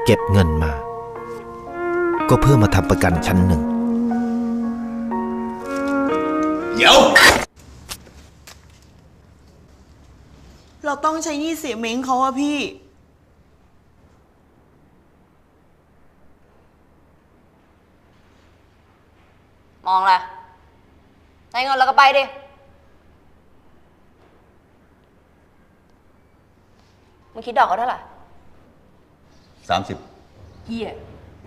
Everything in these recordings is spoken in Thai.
เก็บเงินมาก็เพื่อมาทำประกันชั้นหนึ่งเดี๋ยวเราต้องใช้หนี้เสียเม้งเขาอะพี่มองอะไรได้เงินแล้วก็ไปดิมึงคิดดอกเขาเท่าไหร่ 30 เหี้ย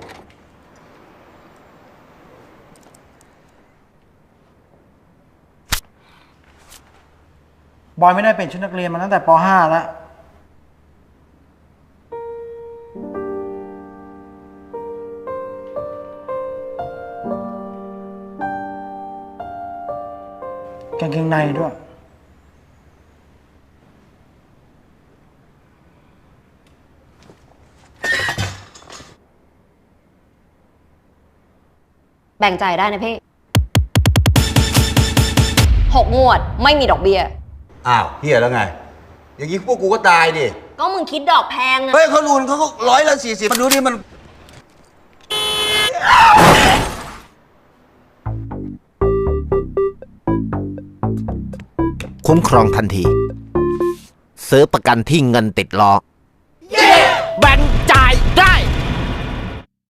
บอยไม่ได้เป็นชุดนักเรียนมาตั้งแต่ป .5 แล้วกางเกงในด้วยแบ่งจ่ายได้นะพี่6 งวดไม่มีดอกเบี้ยอ้าวเฮียแล้วไงอย่างนี้พวกกูก็ตายดิก็มึงคิดดอกแพงอะเฮ้ยเขาลูนเขาก็140มาดูดิมันคุ้มครองทันทีซื้อประกันที่เงินติดล้อแบ่ง